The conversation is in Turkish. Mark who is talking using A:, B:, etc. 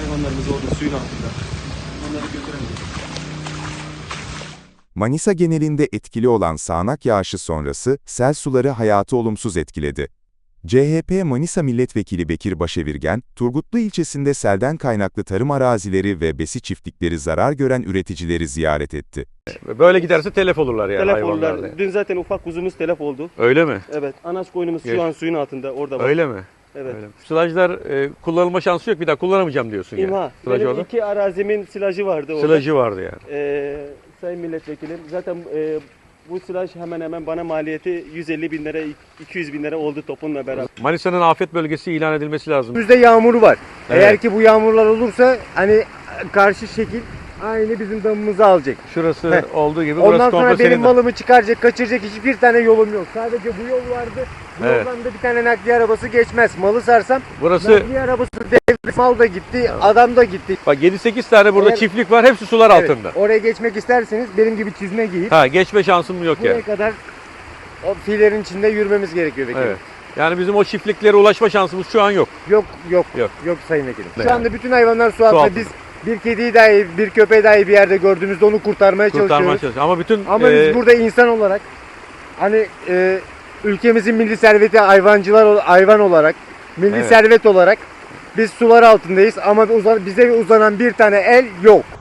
A: Hayvanlarımız orada suyun altında. Onları götüremedik.
B: Manisa genelinde etkili olan sağanak yağışı sonrası sel suları hayatı olumsuz etkiledi. CHP Manisa Milletvekili Bekir Başevirgen, Turgutlu ilçesinde selden kaynaklı tarım arazileri ve besi çiftlikleri zarar gören üreticileri ziyaret etti.
C: Böyle giderse telef olurlar yani
A: Telef
C: hayvanlar.
A: olurlar. Dün zaten ufak kuzumuz telef oldu.
C: Öyle mi?
A: Evet. Anaç koyunumuz
C: Geç.
A: şu an suyun altında. Orada var.
C: Öyle mi?
A: Evet.
C: Öyle mi? Silajlar kullanılma şansı yok, bir daha kullanamayacağım diyorsun yani.
A: İmha.
C: Silaj
A: Benim
C: orada.
A: 2 arazimin silajı vardı orada.
C: Silajı vardı yani.
A: Sayın Milletvekilim, zaten bu silaj hemen hemen bana maliyeti 150 bin lira, 200 bin lira oldu topunla beraber.
C: Manisa'nın afet bölgesi ilan edilmesi lazım.
D: Önümüzde yağmur var.
C: Evet.
D: Eğer ki bu yağmurlar olursa hani karşı şekil aynı bizim damımızı alacak.
C: Şurası
D: Heh.
C: olduğu gibi
D: Ondan
C: burası
D: sonra
C: komple
D: benim
C: senin.
D: malımı çıkaracak, kaçıracak hiçbir tane yolum yok. Sadece bu yol vardı. Bu
C: Evet.
D: yoldan da bir tane nakliye arabası geçmez. Malı sarsam
C: Burası
D: nakliye arabası devre, mal da gitti, adam da gitti.
C: bak 7-8 tane burada
D: Eğer-
C: çiftlik var, hepsi sular
D: Evet,
C: altında.
D: oraya geçmek isterseniz benim gibi çizme giyip
C: Ha, geçme şansım yok
D: buraya
C: yani.
D: kadar o filerin içinde yürümemiz gerekiyor vekilim.
C: Evet. Yani bizim o çiftliklere ulaşma şansımız şu an yok.
D: Yok yok
C: Yok.
D: yok sayın vekilim.
C: Ne
D: Şu
C: yani?
D: anda bütün hayvanlar su altında.
C: altında.
D: Biz bir kediyi dahi, bir köpeği dahi bir yerde gördüğümüzde onu kurtarmaya
C: Kurtarmaya
D: çalışıyoruz.
C: çalışıyoruz. Ama bütün
D: Ama biz burada insan olarak hani ülkemizin milli serveti hayvan olarak, milli
C: Evet.
D: servet olarak biz sular altındayız ama bize uzanan bir tane el yok.